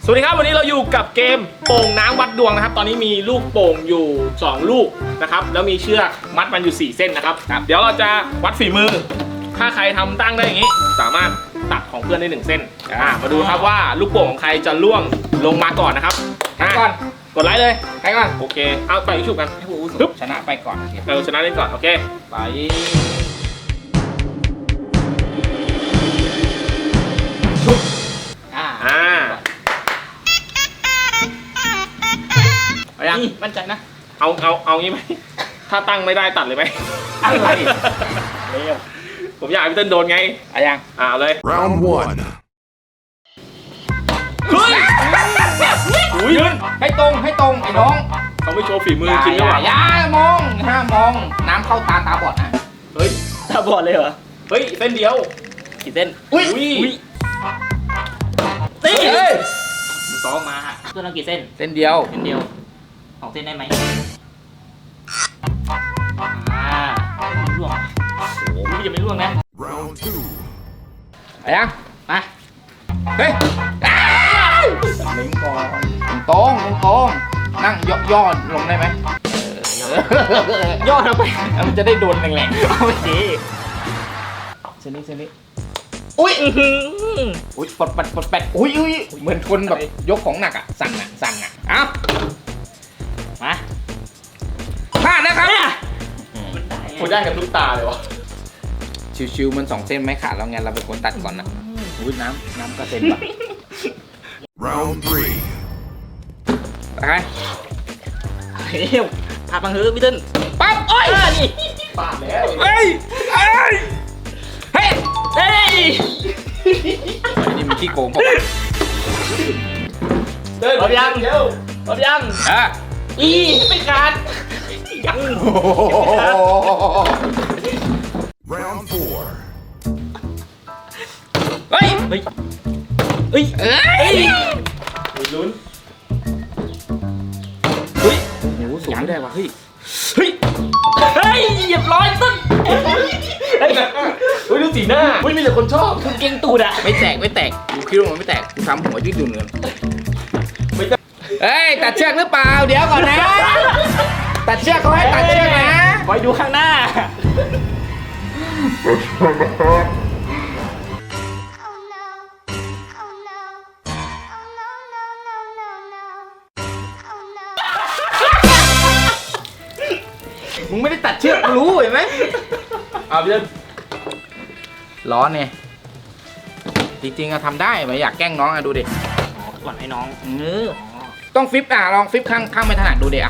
สวัสดีครับวันนี้เราอยู่กับเกมโป่งน้ำวัดดวงนะครับตอนนี้มีลูกโป่งอยู่2ลูกนะครับแล้วมีเชือกมัดมันอยู่4เส้นนะครับเดี๋ยวเราจะวัดฝีมือถ้าใครทำตั้งได้อย่างนี้สามารถตัดของเพื่อนได้1เส้นมาดูครับว่าลูกโป่งของใครจะล่วงลงมาก่อนนะครับก่อนกดไลค์เลยใครก่อนโอเคเอาไปชุบกันให้ผู้อาวุโสชนะไปก่อนชนะได้ก่อนโอเคไปชุบยังมั่นใจนะเอางี้ไหมถ้าตั้งไม่ได้ตัดเลยไหมอะไรผมอยากให้พี่เต้นโดนไงยังเลย Round 1. เฮ้ยยืนให้ตรงไอ้น้องเขาไม่โชว์ฝีมือจริงหรือเปล่าอย่ามองห้ามมองน้ำเข้าตาบอดนะเฮ้ยตาบอดเลยเหรอเฮ้ยเส้นเดียวกี่เส้นอุ้ยตีซ้อมมาตัวเรากี่เส้นเส้นเดียว 2เส้นได้ไหมร่วงโอ้โหยังไม่ร่วงนะ Round 2. ยังมาเฮ้ยลิงก่อนตรงนั่งย่อลงได้ไหมย่อลงไปมันจะได้โดนแรงๆเอาไปสิเส้นนี้อุ้ยปดแปดอุ้ยเหมือนคนแบบยกของหนักอ่ะสั่นอ่ะเอามาพลาดนะครับผมได้กับลูกตาเลยวะชิวๆมัน2เส้นไม่ขาดแล้วไงเราเป็นคนตัดก่อนนะอุ้ยน้ำกระเซ็นป่ะ Round 3. ไปพาบังเฮือพี่เติ้ลปั๊บโอ้ยนี่ปาดแล้วเฮ้ยนี่มันขี้โกงป่ะเติ้ลพร้อมยังไม่ขาดยัง Round 4. เฮ้ยลุ้นโอ้โหสูงไม่ได้ว่ะเฮ้ยเหยียบร้อยต้นดูสีหน้ามีแต่คนชอบคุณเก่งตูดอะไม่แตกกูคิดว่ามันไม่แตกกูทำหัวยืดหยุ่นเลยเฮ้ยตัดเชือกหรือเปล่าเดี๋ยวก่อนนะตัดเชือกเขาให้ตัดเชือกนะคอยดูข้างหน้ามึงไม่ได้ตัดเชือกรู้เห็นไหมเอาพี่เติ้ลร้อนเนี่ยจริงๆทำได้ไม่อยากแกล้งน้องดูดิก่อนให้น้องต้องฟิปลองฟิปข้างไม่ถนัดดูดิ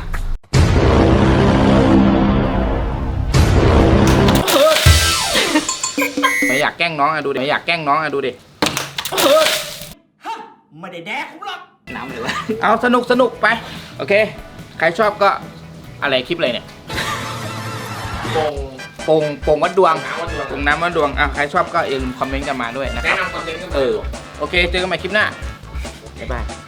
ไม่อยากแกล้งน้องดูดิไม่ได้แดกผมหรอกน้ำเลยวะเอาสนุกไปโอเคใครชอบก็อะไรคลิปอะไรเนี่ยโป่งวัดดวงโป่งน้ำวัดดวงใครชอบก็อย่าลืมคอมเมนต์กันมาด้วยนะครับแนะนำคอนเทนต์กันมาโอเคเจอกันใหม่คลิปหน้าบ๊ายบาย